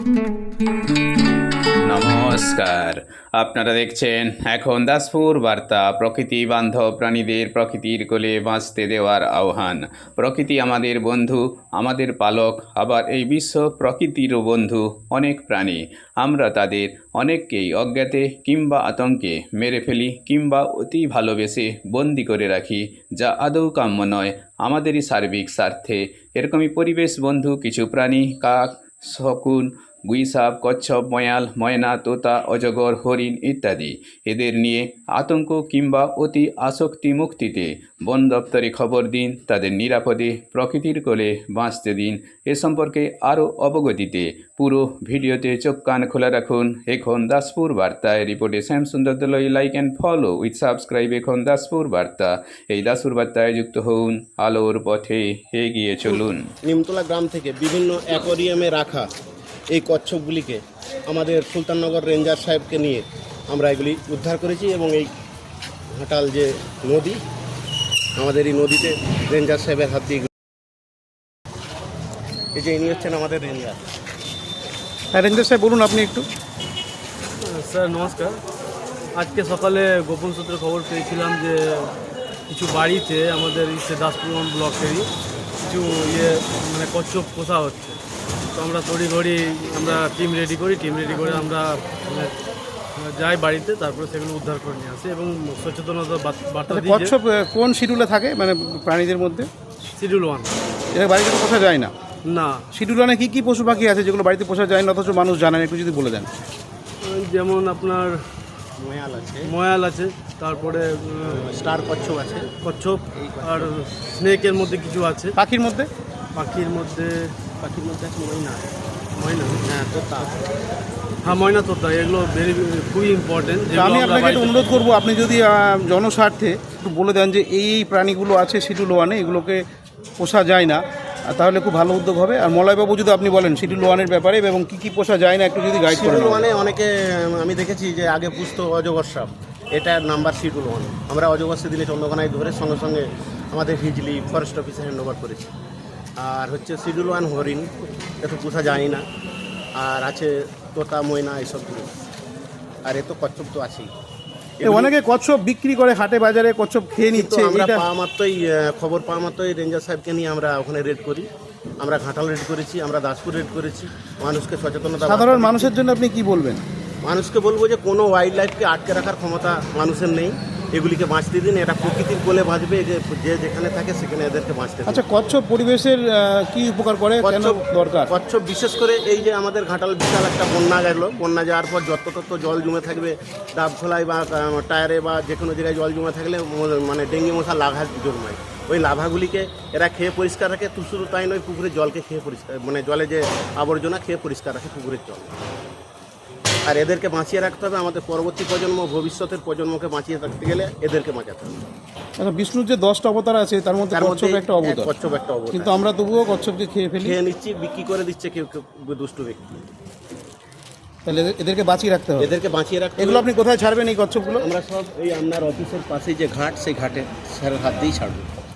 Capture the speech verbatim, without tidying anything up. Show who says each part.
Speaker 1: নমস্কার, আপনারা দেখছেন এখন দাসপুর বার্তা। প্রকৃতি বান্ধব প্রাণীদের প্রকৃতির কোলে বাঁচতে দেওয়ার আহ্বান। প্রকৃতি আমাদের বন্ধু, আমাদের পালক, আবার এই বিশ্ব প্রকৃতিরও বন্ধু। অনেক প্রাণী আমরা তাদের অনেককেই অজ্ঞাতে কিংবা আতঙ্কে মেরে ফেলি কিংবা অতি ভালোবেসে বন্দি করে রাখি, যা আদৌ কাম্য নয় আমাদেরই সার্বিক স্বার্থে। এরকমই পরিবেশ বন্ধু কিছু প্রাণী, কাক, শকুন, গুইসাপ, কচ্ছপ, ময়াল, ময়না, তোতা, অজগর, হরিণ ইত্যাদি, এদের নিয়ে আতঙ্ক কিংবা অতি আসক্তি মুক্তিতে বন দপ্তরে খবর দিন। তাদের নিরাপদে প্রকৃতির কোলে বাঁচতে দিন। এ সম্পর্কে আরও অবগতিতে পুরো ভিডিওতে চোখ কান খোলা রাখুন। এখন দাসপুর বার্তায় রিপোর্টে শ্যাম সুন্দর দলই। Like and follow with subscribe এখন দাসপুর বার্তা। এই দাসপুর বার্তায় যুক্ত হন, আলোর পথে এগিয়ে চলুন।
Speaker 2: নিমতলা গ্রাম থেকে বিভিন্ন অ্যাকোয়ারিয়ামে রাখা এই কচ্ছপগুলিকে আমাদের সুলতাননগর রেঞ্জার সাহেবকে নিয়ে আমরা এগুলি উদ্ধার করেছি এবং এই ঘাটাল যে নদী, আমাদের এই নদীতে রেঞ্জার সাহেবের হাত দিয়ে এই যে ইনি হচ্ছেন আমাদের রেঞ্জার।
Speaker 3: হ্যাঁ রেঞ্জার সাহেব বলুন আপনি একটু।
Speaker 4: স্যার নমস্কার। আজকে সকালে গোপন সূত্রে খবর পেয়েছিলাম যে কিছু বাড়িতে আমাদের ইসে দাসপুর ব্লকেরই কিছু ইয়ে মানে কচ্ছপ পোষা হচ্ছে। তো আমরা তড়িঘড়ি আমরা টিম রেডি করি টিম রেডি করে আমরা মানে যাই বাড়িতে, তারপরে সেগুলো উদ্ধার করে নিয়ে আসি এবং সচেতনতা বার্তা দিই।
Speaker 3: কচ্ছপ কোন শিডিউলে থাকে মানে প্রাণীদের মধ্যে?
Speaker 4: Schedule one.
Speaker 3: এটা বাড়িতে তো পোষা যায় না।
Speaker 4: না,
Speaker 3: শিডিউল ওয়ানে কী কী পশু পাখি আছে যেগুলো বাড়িতে পোষা যায় না অথচ মানুষ জানেন, একটু যদি বলে দেন।
Speaker 4: যেমন আপনার
Speaker 2: ময়াল আছে,
Speaker 4: ময়াল আছে, তারপরে
Speaker 2: স্টার কচ্ছপ আছে,
Speaker 4: কচ্ছপ, আর স্নেকের মধ্যে কিছু আছে।
Speaker 3: পাখির মধ্যে
Speaker 4: পাখির মধ্যে
Speaker 2: পাখির মধ্যে আছে ময়না,
Speaker 4: ময়না,
Speaker 2: হ্যাঁ তোতা,
Speaker 4: হ্যাঁ ময়না তোতা, এগুলো ভেরি খুবই ইম্পর্টেন্ট।
Speaker 3: আমি আপনাকে একটু অনুরোধ করবো, আপনি যদি জনস্বার্থে একটু বলে দেন যে এই এই প্রাণীগুলো আছে শিডিউল ওয়ানে, এগুলোকে পোষা যায় না, তাহলে খুব ভালো উদ্যোগ হবে। আর মলয়বাবু যদি আপনি বলেন শিডিউল ওয়ানের ব্যাপারে এবং কী কী পোষা যায় না একটু যদি গাইড করেন।
Speaker 2: শিডিউল ওয়ানে অনেকে আমি দেখেছি যে আগে পুষতো অজগর সাপ, এটার নাম্বার শিডিউল ওয়ান। আমরা অজগর সেদিনে চন্দ্রকোনায় ধরে সঙ্গে সঙ্গে আমাদের হিজলি ফরেস্ট অফিসে হ্যান্ড ওভার করেছি। আর হচ্ছে শিডিউল ওয়ান হরিণ, এত পোষা যায় না। আর আছে তোতা, ময়না, এইসবগুলো। আর এ তো কচ্ছপ তো আছেই।
Speaker 3: অনেকে কচ্ছপ বিক্রি করে হাটে বাজারে, কচ্ছপ খেয়ে নিচ্ছে।
Speaker 2: আমরা পাওয়া মাত্রই খবর পাওয়া মাত্রই রেঞ্জার সাহেবকে নিয়ে আমরা ওখানে রেড করি। আমরা ঘাটাল রেড করেছি, আমরা দাসপুর রেড করেছি। মানুষকে সচেতনতা,
Speaker 3: সাধারণ মানুষের জন্য আপনি কি বলবেন?
Speaker 2: মানুষকে বলবো যে কোনো ওয়াইল্ড লাইফকে আটকে রাখার ক্ষমতা মানুষের নেই। এগুলিকে বাঁচতে দিন, এটা প্রকৃতির কোলে বাঁচবে, যে যে যেখানে থাকে সেখানে এদেরকে বাঁচতে দিন।
Speaker 3: আচ্ছা, কচ্ছপ পরিবেশের কি উপকার করে, কেন দরকার?
Speaker 2: কচ্ছপ বিশেষ করে এই যে আমাদের ঘাটাল বিশাল একটা বন্যা গেল, বন্যা যাওয়ার পর যত তত জল জমে থাকবে, ডাব খোলায় বা টায়ারে বা যে কোনো জায়গায় জল জমে থাকলে মানে ডেঙ্গি মশা লাভা জন্মায়। ওই লাভাগুলিকে এরা খেয়ে পরিষ্কার রাখে। তু শুধু তাই নয়, পুকুরের জলকে খেয়ে পরিষ্কার, মানে জলে যে আবর্জনা খেয়ে পরিষ্কার রাখে পুকুরের জল। আর এদেরকে বাঁচিয়ে রাখতে হবে। আমাদের পরবর্তী প্রজন্ম, ভবিষ্যতের প্রজন্মকে বাঁচিয়ে রাখতে গেলে এদেরকে বাঁচাতে হবে।
Speaker 3: আচ্ছা, বিষ্ণুর যে দশটা অবতার আছে তার মধ্যে কচ্ছপ একটা অবতার।
Speaker 2: কচ্ছপ একটা অবতার,
Speaker 3: কিন্তু আমরা তবুও কচ্ছপকে খেয়ে ফেলি,
Speaker 2: খেয়ে নিচ্ছি, বিক্রি করে দিচ্ছে কেউ কেউ দুষ্টু ব্যক্তি।
Speaker 3: তাহলে এদেরকে বাঁচিয়ে রাখতে হবে।
Speaker 2: এদেরকে বাঁচিয়ে রাখতে
Speaker 3: এগুলো আপনি কোথায় ছাড়বেন এই কচ্ছপগুলো?
Speaker 2: আমরা সব এই আপনার অফিসের পাশে যে ঘাট, সেই ঘাটে স্যারের হাত দিয়েই ছাড়বো।